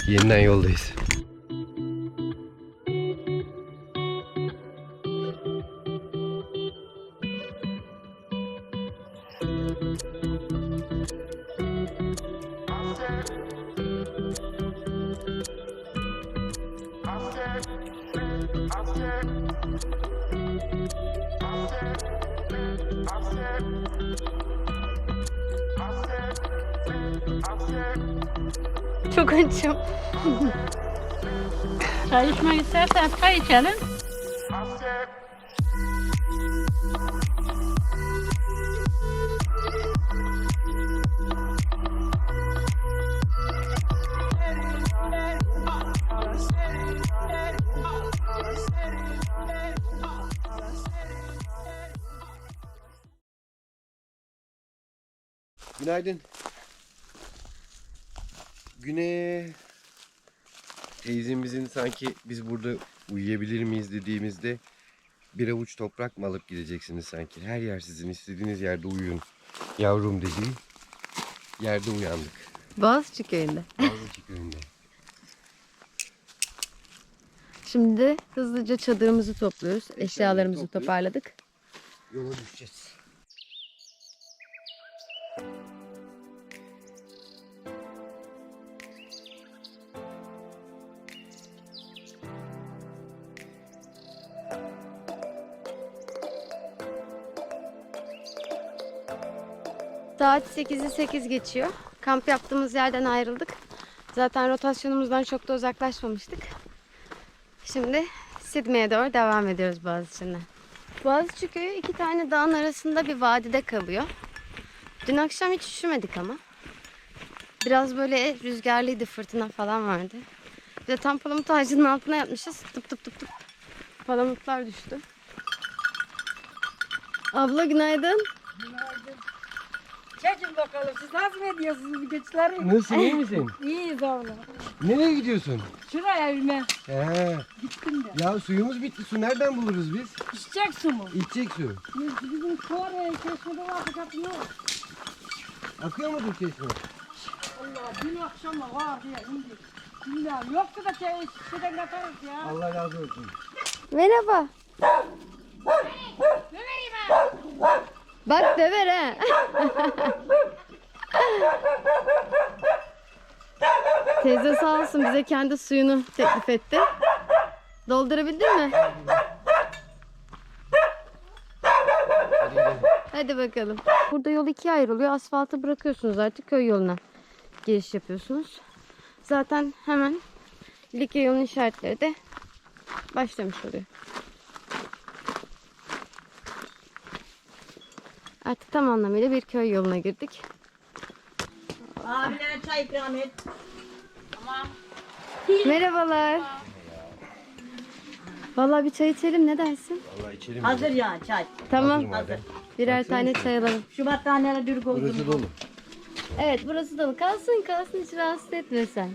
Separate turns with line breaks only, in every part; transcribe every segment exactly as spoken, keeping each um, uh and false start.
Yeniden yoldayız.
Çok açım.
Çay içmek istersen çay içelim.
Günaydın. Güne teyzemizin sanki biz burada uyuyabilir miyiz dediğimizde bir avuç toprak mı alıp gideceksiniz sanki. Her yer sizin, istediğiniz yerde uyuyun yavrum dediği yerde uyandık.
Boğaziçi köyünde.
Boğaziçi köyünde.
Şimdi hızlıca çadırımızı topluyoruz. Eşyalarımızı
topluyoruz.
toparladık.
Yola düşeceğiz.
Saat sekizi sekiz geçiyor. Kamp yaptığımız yerden ayrıldık. Zaten rotasyonumuzdan çok da uzaklaşmamıştık. Şimdi Sidmey'e doğru devam ediyoruz Boğaziçi'nden. Boğaziçi köyü iki tane dağın arasında bir vadide kalıyor. Dün akşam hiç üşümedik ama. Biraz böyle rüzgarlıydı, fırtına falan vardı. Bir de tam palamut ağacının altına yatmışız. Tıp tıp tıp tıp. Palamutlar düştü. Abla günaydın.
Çekin bakalım siz nasıl ediyorsunuz bu geçleri?
Nasılsın, iyi misin?
İyiyiz oğlum.
Nereye gidiyorsun?
Şuraya evime
He.
gittim de.
Ya suyumuz bitti. Su nereden buluruz biz?
İçecek su mu?
İçecek su.
Biz- Bizim Kore çeşmede var fakat yok.
Akıyor mudur çeşme?
Allah dün akşam da var diye indi. Bilmiyorum yoksa da şey, şişeden katarız ya.
Allah razı olsun.
Merhaba.
Ne vereyim ha?
Bak döver ha. Teyze sağ olsun bize kendi suyunu teklif etti. Doldurabildin mi?
Hadi gidelim.
Hadi bakalım. Burada yol ikiye ayrılıyor. Asfaltı bırakıyorsunuz artık köy yoluna giriş yapıyorsunuz. Zaten hemen Likya yolunun işaretleri de başlamış oluyor. Artık tam anlamıyla bir köy yoluna girdik.
Abiler çay ikram et. Tamam.
Merhabalar. Vallahi bir çay içelim, ne dersin?
Vallahi içelim.
Hazır ya çay.
Tamam.
madem.
Birer
Baksana
tane
şuna.
çay alalım.
Şu battaniyeler dürük oldu.
Burası dolu.
Evet, burası dolu. Kalsın kalsın, hiç rahatsız etme sen.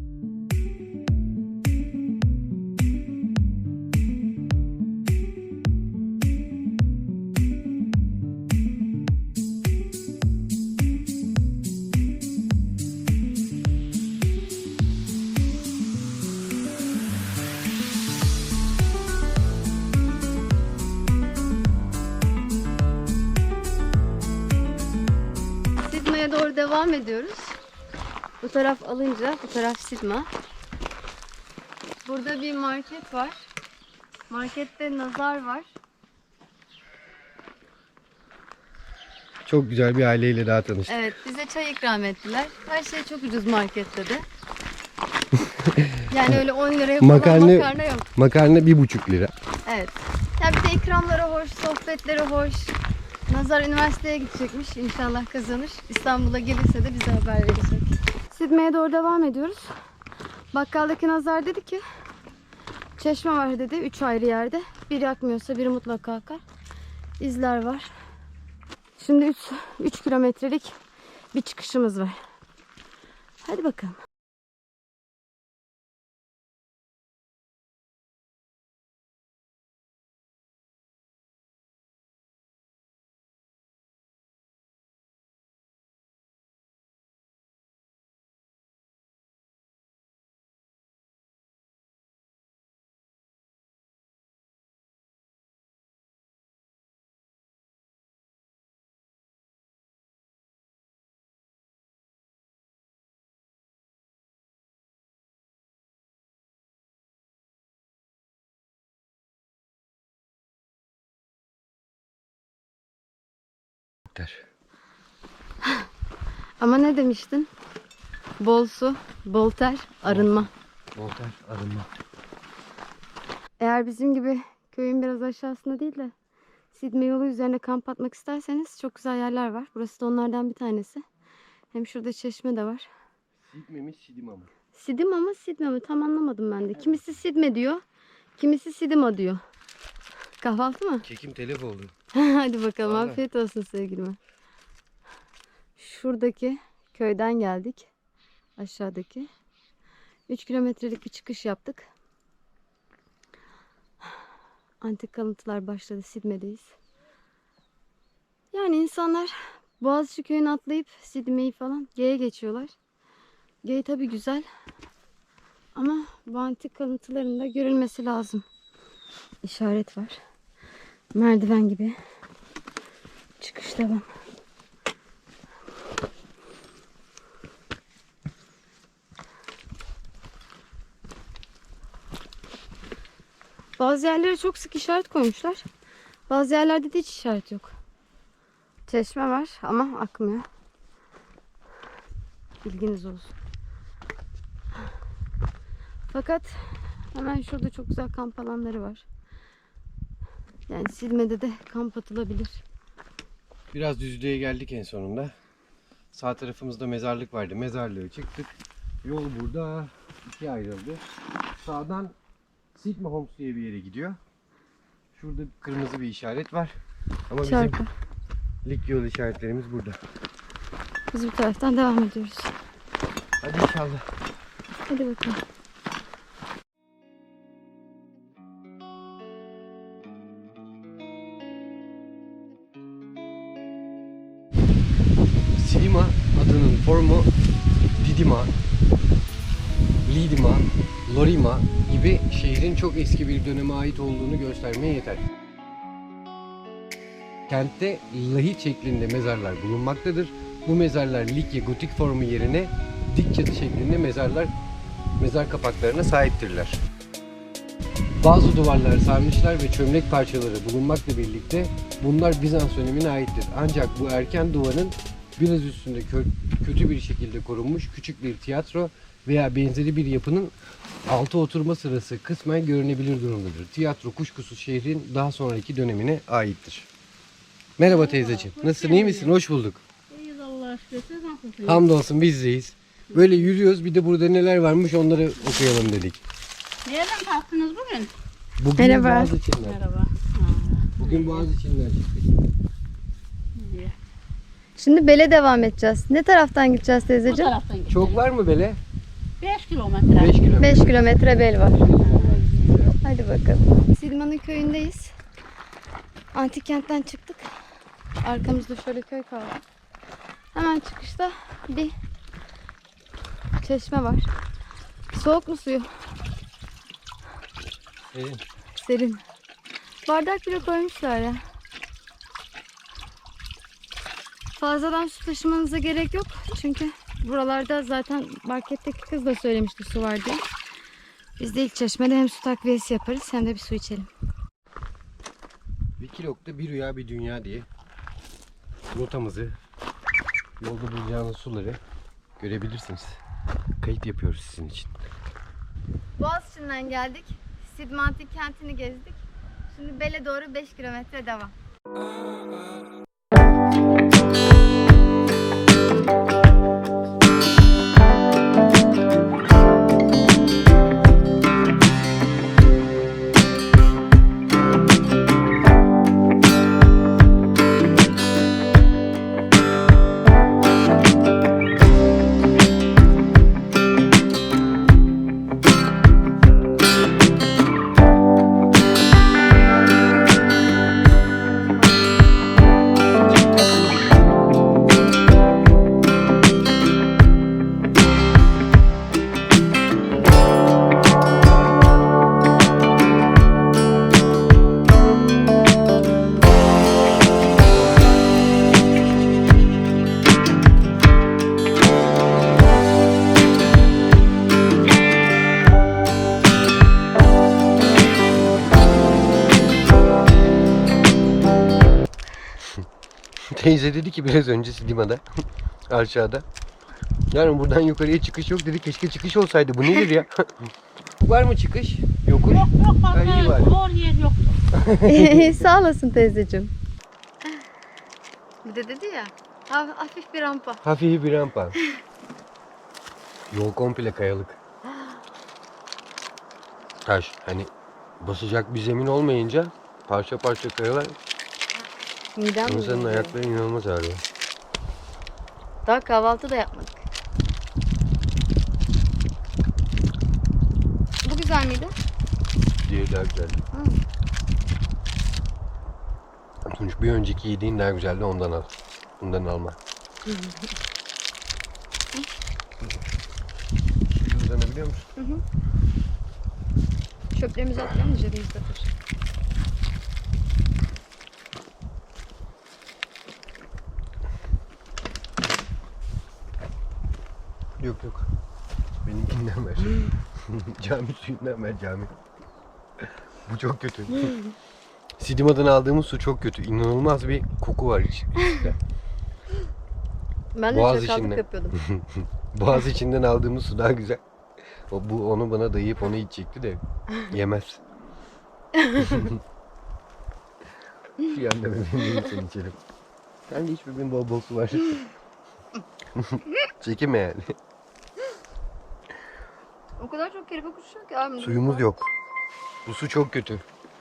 Sidma'ya doğru devam ediyoruz. Bu taraf alınca bu taraf Sidma. Burada bir market var. Markette nazar var.
Çok güzel bir aileyle daha tanıştık.
Evet, bize çay ikram ettiler. Her şey çok ucuz markette de. Yani öyle on liraya falan
Makarna,
makarna yok.
makarna bir buçuk lira.
Evet. Ya bir de ikramları hoş, sohbetleri hoş. Nazar üniversiteye gidecekmiş. İnşallah kazanır. İstanbul'a gelirse de bize haber verecek. Sidmey'e doğru devam ediyoruz. Bakkaldaki Nazar dedi ki çeşme var dedi. Üç ayrı yerde. Biri akmıyorsa biri mutlaka akar. İzler var. Şimdi üç kilometrelik bir çıkışımız var. Hadi bakalım.
ter.
Ama ne demiştin? Bol su, bol ter, arınma.
Bol ter, arınma.
Eğer bizim gibi köyün biraz aşağısında değil de Sidme yolu üzerine kamp atmak isterseniz çok güzel yerler var. Burası da onlardan bir tanesi. Hem şurada çeşme de var.
Sidme mi, Sidima mı?
Sidima mı, Sidme mi? Tam anlamadım ben de. Kimisi Sidme diyor, kimisi Sidima diyor. Kahvaltı mı?
Kekim telef oldu.
Hadi bakalım,
Vallahi.
afiyet olsun sevgilime. Şuradaki köyden geldik. Aşağıdaki. üç kilometrelik bir çıkış yaptık. Antik kalıntılar başladı. Sidme'deyiz. Yani insanlar Boğaziçi köyünü atlayıp Sidme'yi falan G'ye geçiyorlar. G tabi güzel. Ama bu antik kalıntıların da görülmesi lazım. İşaret var. Merdiven gibi. Çıkış devam. Bazı yerlere çok sık işaret koymuşlar. Bazı yerlerde de hiç işaret yok. Çeşme var ama akmıyor. Bilginiz olsun. Fakat hemen şurada çok güzel kamp alanları var. Yani Sidme'de de kamp atılabilir.
Biraz düzlüğe geldik en sonunda. Sağ tarafımızda mezarlık vardı. Mezarlığa çıktık. Yol burada ikiye ayrıldı. Sağdan Sidme Homes diye bir yere gidiyor. Şurada kırmızı bir işaret var. Ama bizim
Şarkı.
lig yol işaretlerimiz burada.
Biz bu taraftan devam ediyoruz.
Hadi inşallah.
Hadi bakalım.
Sidima adının formu Didima, Lidima, Lorima gibi şehrin çok eski bir döneme ait olduğunu göstermeye yeter. Kentte lahit şeklinde mezarlar bulunmaktadır. Bu mezarlar Likya gotik formu yerine dik çatı şeklinde mezarlar, mezar kapaklarına sahiptirler. Bazı duvarlar, sarnıçlar ve çömlek parçaları bulunmakla birlikte bunlar Bizans dönemine aittir. Ancak bu erken duvarın biraz üstünde kö kötü bir şekilde korunmuş küçük bir tiyatro veya benzeri bir yapının altı oturma sırası kısmen görünebilir durumdadır. Tiyatro kuşkusuz şehrin daha sonraki dönemine aittir. Merhaba teyzeciğim. Nasılsın? İyi misin? Hoş bulduk.
İyiyiz Allah'a şükür. Siz nasılsınız?
Hamdolsun bizdeyiz. Böyle yürüyoruz. Bir de burada neler varmış onları okuyalım dedik.
Nereden kalktınız bugün?
Bugün
Merhaba.
Boğaziçi'nden.
Merhaba.
Bugün Boğaziçi'nden çıktık.
İyi.
Şimdi Bele devam edeceğiz. Ne taraftan gideceğiz
Bu
teyzeciğim?
taraftan gidelim.
Çok var mı böyle?
beş kilometre.
beş kilometre.
beş kilometre bel var. Hadi bakalım. Sidma'nın köyündeyiz. Antik kentten çıktık. Arkamızda şöyle köy kaldı. Hemen çıkışta bir çeşme var. Soğuk mu suyu?
Evet.
Serin. Bardak bile koymuşlar ya. Fazladan su taşımanıza gerek yok. Çünkü buralarda zaten marketteki kız da söylemişti su var diye. Biz de ilk çeşmede hem su takviyesi yaparız hem de bir su içelim.
Wikilog'da bir rüya bir dünya diye rotamızı, yolda bulacağınız suları görebilirsiniz. Kayıt yapıyoruz sizin için.
Boğaziçi'nden geldik. Sidme Antik kentini gezdik. Şimdi Bele doğru beş kilometre devam.
Teyze dedi ki biraz önce Sidima'da aşağıda. Yani buradan yukarıya çıkış yok dedi. Keşke çıkış olsaydı. Bu nedir ya? Var mı çıkış? Yokuş.
Yok yok
Ha, iyi var.
zor yer yok.
Sağ olasın teyzeciğim. Bir de dedi ya, ha- hafif bir rampa.
Hafif bir rampa. Yol komple kayalık. Taş. Hani basacak bir zemin olmayınca parça parça kayalar.
Midem
İnsanın
bulanıyor.
ayakları inanılmaz ağrıyor.
Daha kahvaltı da yapmadık. Bu güzel miydi?
Diğeri daha güzeldi. Tunç bir önceki yediğin daha güzeldi, ondan al. Bundan alma. Suyu uzanabiliyor musun?
Çöplerimizi atlayalım da cebimizde dur.
Yok yok. Benimkinden ver. Cami suyundan ver cami. Bu çok kötü. Sidima'dan aldığımız su çok kötü. İnanılmaz bir koku var iç- içinde.
Ben de
Boğaz
çakallık
içinde.
yapıyordum.
Boğaz içinden aldığımız su daha güzel. O, bu onu bana dayayıp onu içecekti de yemez. Şu yanda bebeğim seni içelim. Sen de iç bebeğin bol bol su var. Çekinme yani.
O kadar çok kelime konuşuyor ki abi.
Suyumuz yok. Bu su çok kötü.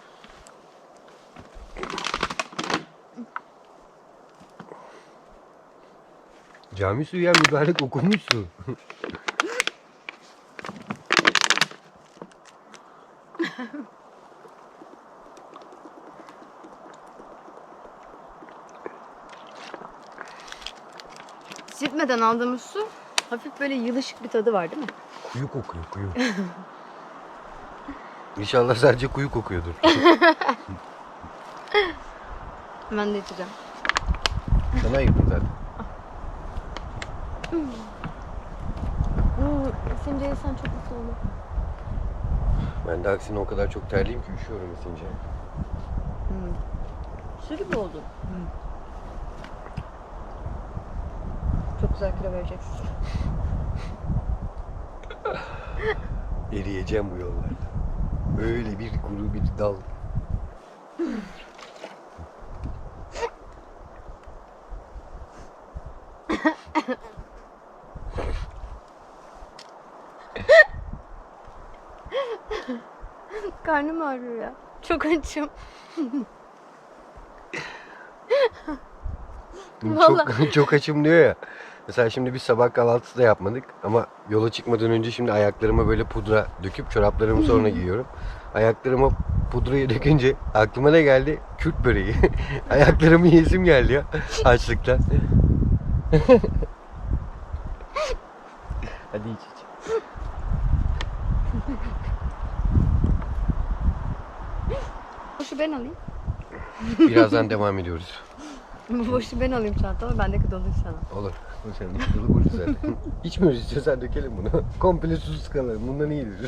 Cami suyu ya, mübarek okunmuş su.
Sitmeden aldığımız su hafif böyle yılışık bir tadı var değil mi?
Kuyu kokuyor, kuyu. İnşallah sadece kuyu kokuyordur.
Ben de içeceğim.
Sana ayırdım zaten.
Hmm, Esince yesen çok mutlu olur.
Ben de aksine o kadar çok terliyim ki üşüyorum esince.
Hmm. Su gibi oldu. Çok güzel kilo vereceksin.
Eriyeceğim bu yollarda. Öyle bir kuru bir dal.
Karnım ağrıyor ya. Çok açım.
Çok, çok açım diyor ya. Mesela şimdi biz sabah kahvaltısı da yapmadık ama yola çıkmadan önce şimdi ayaklarıma böyle pudra döküp çoraplarımı sonra giyiyorum. Ayaklarıma pudrayı dökünce aklıma ne geldi? Kürt böreği. Ayaklarımı yesim geldi ya açlıktan. Hadi iç iç.
Boşu ben alayım.
Birazdan devam ediyoruz.
Boşu ben alayım çantama. Bendeki dolu sana.
Olur. O senin dolu burcu zaten. İçmiyoruz, istiyorsan dökelim bunu. Komple susuz kalalım. Bundan iyidir.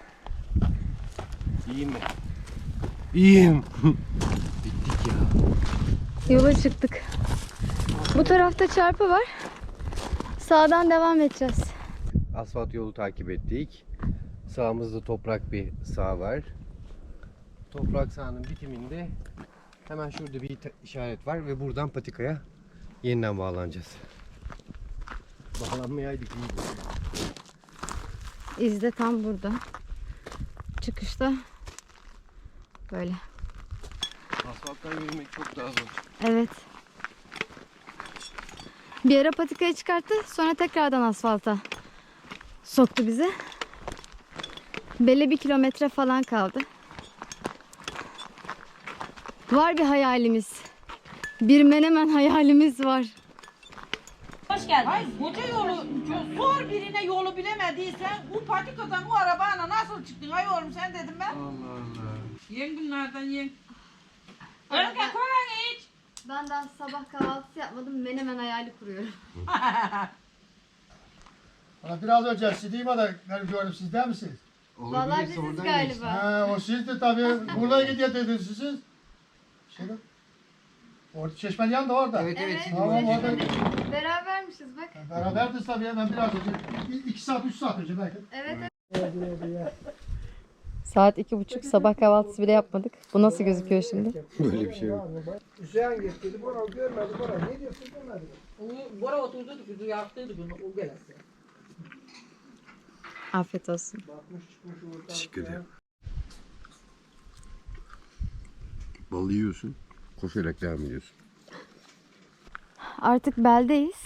İyiyim mi? İyiyim. Bittik ya.
Yola çıktık. Bu tarafta çarpı var. Sağdan devam edeceğiz.
Asfalt yolu takip ettik. Sağımızda toprak bir sağ var. Toprak sahanın bitiminde hemen şurada bir işaret var ve buradan patikaya yeniden bağlanacağız. Bağlanmayaydık iyiydi.
İz de tam burada. Çıkışta böyle.
Asfalttan yürümek çok daha zor.
Evet. Bir ara patikaya çıkarttı. Sonra tekrardan asfalta soktu bizi. Belli bir kilometre falan kaldı. Var bir hayalimiz. Bir menemen hayalimiz var.
Hoş geldin. Ay koca yolu, sor birine yolu bilemediysen bu patikadan bu arabayla nasıl çıktın? Ay oğlum sen dedim ben.
Allah Allah.
Yen bunlardan yen. Önce kola iç.
Ben daha sabah kahvaltısı yapmadım. Menemen hayali kuruyorum.
Bana biraz önce Sidima'da gördüm, siz değil misiniz?
Vallahi biziz galiba.
Ha, o sizdi tabii. Buradan gidiyor dediniz siz. Şöyle. Orada çeşmenin yanında orada.
Evet evet. Sidim
Tamam
var.
orada.
Berabermişiz bak.
Beraberdiz tabii ya, ben biraz önce. İ- iki saat, üç saat önce belki.
Evet.
Evet, evet, evet.
Saat iki buçuk, sabah kahvaltısı bile yapmadık. Bu nasıl gözüküyor şimdi?
Böyle bir şey yok.
Hüseyin getirdi, Bora görmedi, Bora ne diyorsun görmedi.
Onu Bora oturdu kuzu yaktıydı bunu o gelesi.
Afiyet olsun.
Bakmış çıkmış oradan.
Teşekkür ederim. Balı yiyorsun. Koşarak devam ediyorsun.
Artık beldeyiz.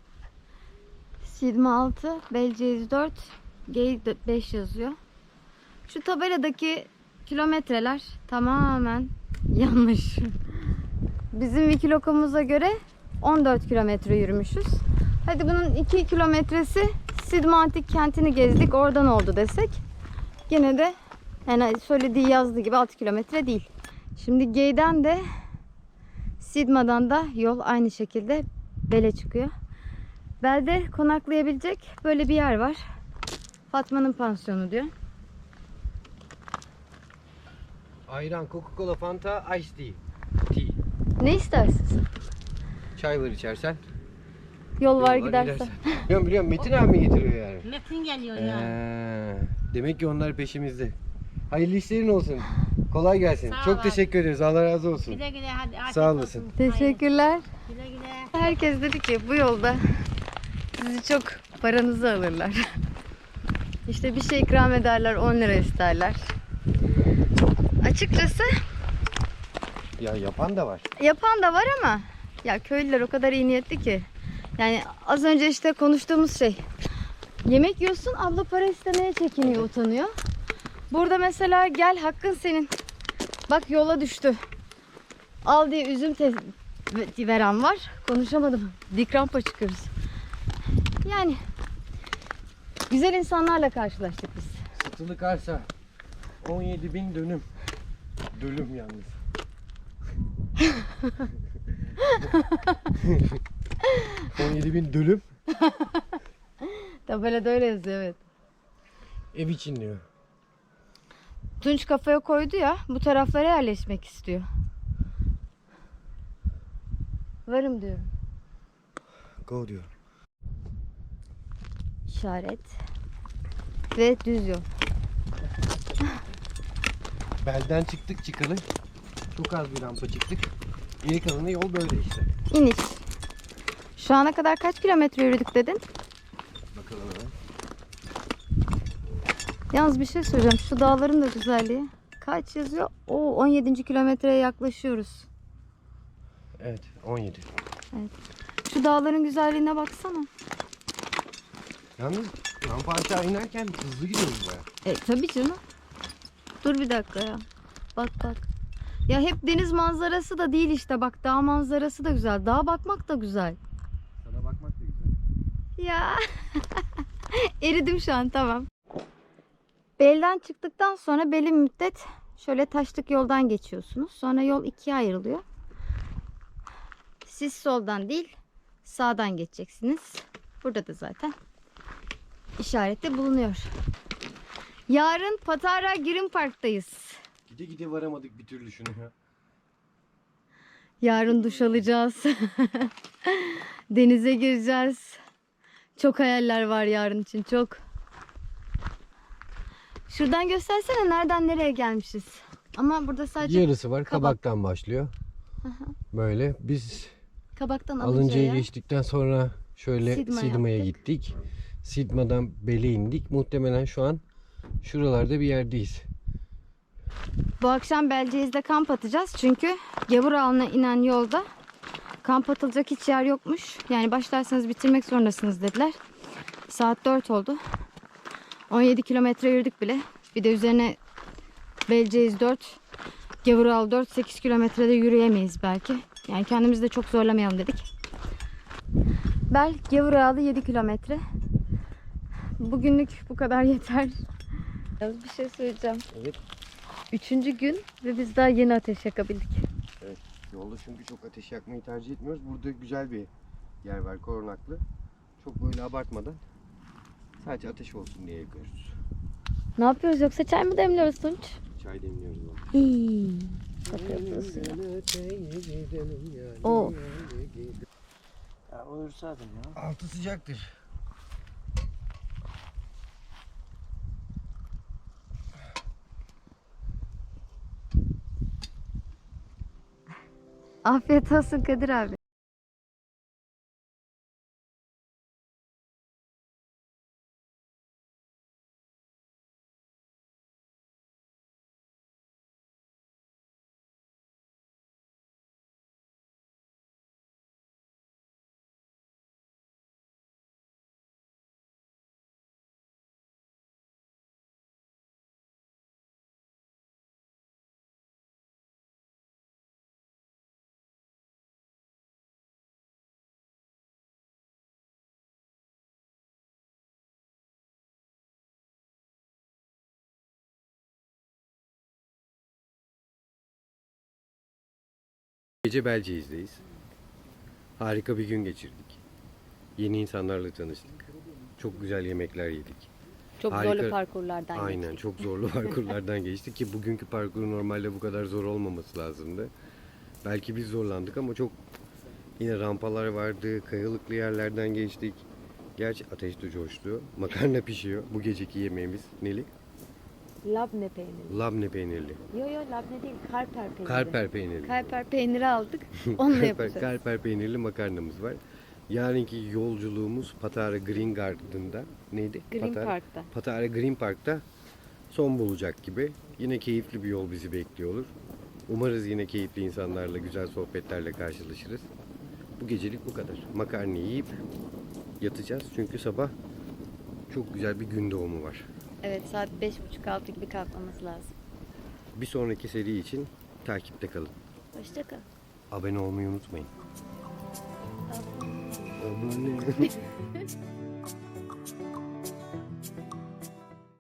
Sidme altı, Belceğiz dört, Gey beş yazıyor. Şu tabeladaki kilometreler tamamen yanlış. Bizim Wikiloco'muza göre on dört kilometre yürümüşüz. Hadi bunun iki kilometresi Sidme Antik Kenti'ni gezdik, oradan oldu desek. Yine de yani söylediği yazdığı gibi altı kilometre değil. Şimdi Gey'den de Sidma'dan da yol aynı şekilde Bel'e çıkıyor. Bel'de konaklayabilecek böyle bir yer var. Fatma'nın pansiyonu diyor.
Ayran, Coca-Cola, Fanta, Ice Tea. Tea.
Ne istersiniz?
Çay var içersen.
Yol var
Yollar
gidersen.
gidersen. Biliyorum biliyorum, Metin abi mi getiriyor yani?
Metin geliyor
Ee, demek ki onlar peşimizde. Hayırlı işlerin olsun. Kolay gelsin.
Sağ
Çok
ol.
teşekkür ederiz. Allah razı olsun.
Güle güle hadi. afiyet
Sağ
olsun.
olasın.
Teşekkürler.
Güle güle.
Herkes dedi ki bu yolda sizi çok paranızı alırlar. İşte bir şey ikram ederler, on lira isterler. Açıkçası
Ya yapan da var.
yapan da var ama ya köylüler o kadar iyi niyetli ki. Yani az önce işte konuştuğumuz şey. Yemek yiyorsun, abla para istemeye çekiniyor, utanıyor. Burada mesela gel hakkın senin. Bak yola düştü. Al diye üzüm te- veren var. Konuşamadım. Dik rampa çıkıyoruz. Yani güzel insanlarla karşılaştık biz.
Satılık arsa on yedi bin dönüm. Dönüm yalnız. on yedi bin dönüm.
Tabelada öyle yazıyor, evet.
Ev için diyor.
Tunç kafaya koydu ya, bu taraflara yerleşmek istiyor. Varım diyorum.
Go diyor.
İşaret. Ve düz yol.
Belden çıktık çıkalı. Çok az bir rampa çıktık. Geri kalanı yol böyle işte.
İniş. Şu ana kadar kaç kilometre yürüdük dedin?
Bakalım hemen.
Yalnız bir şey söyleyeceğim. Şu dağların da güzelliği. Kaç yazıyor? Oo, on yedinci kilometreye yaklaşıyoruz.
Evet on yedi.
Şu dağların güzelliğine baksana.
Yalnız rampa aşağı inerken hızlı gidiyoruz baya.
E tabii canım. Dur bir dakika ya. Bak bak. Ya hep deniz manzarası da değil işte. Bak dağ manzarası da güzel. Dağa bakmak da güzel.
Sana bakmak da güzel.
Ya. Eridim şu an, tamam. Belden çıktıktan sonra belli bir müddet şöyle taşlık yoldan geçiyorsunuz. Sonra yol ikiye ayrılıyor. Siz soldan değil sağdan geçeceksiniz. Burada da zaten işarette bulunuyor. Yarın Patara Girin Park'tayız.
Gide gide varamadık bir türlü şunu ya.
Yarın duş alacağız. Denize gireceğiz. Çok hayaller var yarın için, çok. Şuradan göstersene nereden nereye gelmişiz. Ama burada sadece
Yarısı var.
kabak.
Kabaktan başlıyor. Böyle biz
kabaktan
Alınca'yı
Alınca'ya.
geçtikten sonra şöyle
Sidma
Sidma'ya
yaptık.
gittik. Sidma'dan Bel'e indik. Muhtemelen şu an şuralarda bir yerdeyiz.
Bu akşam Belceğiz'de kamp atacağız. Çünkü Gavurağlı'na inen yolda kamp atılacak hiç yer yokmuş. Yani başlarsanız bitirmek zorundasınız dediler. Saat dört oldu. on yedi kilometre yürüdük bile. Bir de üzerine Belceğiz dört, Gavurağlı dört, sekiz kilometrede yürüyemeyiz belki. Yani kendimizi de çok zorlamayalım dedik. Bel Gavurağlı yedi kilometre. Bugünlük bu kadar yeter. Yalnız bir şey söyleyeceğim.
Evet.
Üçüncü gün ve biz daha yeni ateş yakabildik.
Yolda çünkü çok ateş yakmayı tercih etmiyoruz. Burada güzel bir yer var, korunaklı. Çok böyle abartmadan sadece ateş olsun diye yakıyoruz.
Ne yapıyoruz, yoksa çay mı demliyoruz Tunç?
Çay demliyoruz. Bak.
Hii. Kapatıyorsun suyu. Oo.
Ya uyursaydın ya.
Altı sıcaktır.
Afiyet olsun Kadir abi.
Gece Belceğiz'deyiz. Harika bir gün geçirdik. Yeni insanlarla tanıştık. Çok güzel yemekler yedik.
Çok
Harika.
zorlu parkurlardan
Aynen,
geçtik.
çok zorlu parkurlardan geçtik ki bugünkü parkur normalde bu kadar zor olmaması lazımdı. Belki biz zorlandık ama çok yine rampalar vardı, kayalıklı yerlerden geçtik. Gerçi ateş de coştu. Makarna pişiyor. Bu geceki yemeğimiz neli?
Labne peyniri.
Labne peynirli.
Yo yo labne değil, karper peyniri.
Karper peynirli.
Karper peyniri aldık. Onunla
Karper,
yapacağız.
karper peynirli makarnamız var. Yarınki yolculuğumuz Patara Green Garden'da neydi?
Green
Patara,
Park'ta.
Patara Green Park'ta son bulacak gibi. Yine keyifli bir yol bizi bekliyor olur. Umarız yine keyifli insanlarla, güzel sohbetlerle karşılaşırız. Bu gecelik bu kadar. Makarna yiyip yatacağız çünkü sabah çok güzel bir gün doğumu var.
Evet, saat beş buçuk altı gibi kalkmamız lazım.
Bir sonraki seri için takipte kalın.
Hoşça kal.
Abone olmayı unutmayın. Abone.